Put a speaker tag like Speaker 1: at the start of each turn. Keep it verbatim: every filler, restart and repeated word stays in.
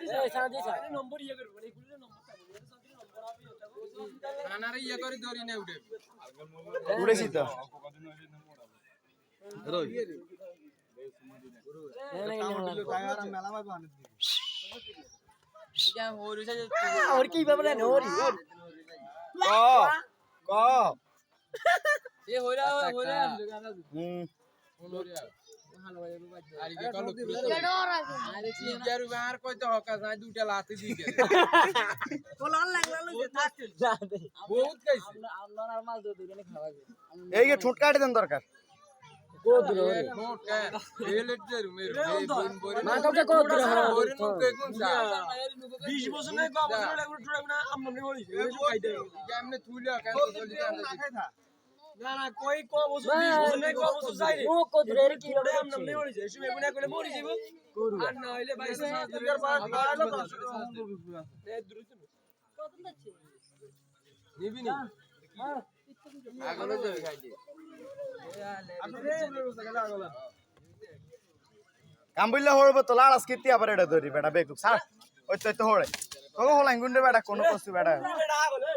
Speaker 1: ए शादी छ
Speaker 2: नंबर ये करू भने कुले नंबर छ भने साथी नंबर आबी होता
Speaker 3: खाना रे ये करी दोरी नै उठे
Speaker 4: उडेছি त
Speaker 3: रोय क्या हो रही है
Speaker 1: और की बाबा ने हो रही
Speaker 4: क क
Speaker 3: ये हो रहा हो रहा
Speaker 4: हम्म
Speaker 3: हो रहा अरे के कलो अरे यार बाहर कोई तो हका सा दूटा लाती दी के
Speaker 1: कोलान लागला लो जा दे
Speaker 3: बहुत कैसे
Speaker 1: আমরা নরমাল দুধ এনে খাওয়া
Speaker 4: এই যে ঠোঁট কাটে দেন দরকার
Speaker 1: को दूर
Speaker 3: नोट का ये लेट जरू मेरे बोन बोरी
Speaker 1: मा तो को दूर हरा
Speaker 3: बोरी नु के कोन सा
Speaker 2: बीस বছর নাই কম বছর লাগু টুড়া না আমনে হলি খাই দে
Speaker 3: हमने थूलिया का तो जल्दी
Speaker 2: না না কই ক বছর বিশ বছর নাই ক বছর যাই রে
Speaker 1: ও को दूर की
Speaker 2: টুড়া আমনে হলি যায় সুমে গুনা কইলে মরি যাইবো আর না হইলে বাইশ হাজার পাঁচ বাড়ালো দশ এ দ্রুত
Speaker 1: কত যাচ্ছে
Speaker 3: নিবি নি আগলো যাবে খাই দে
Speaker 4: কাম বললে হড়ব তো লাড়াস কিতি আবার এটা ধরি বেটা বেকুক ছাড় ওই তো তো হড়ে তো হলাই গুন্ডে বেটা কোন কষ্ট বেটা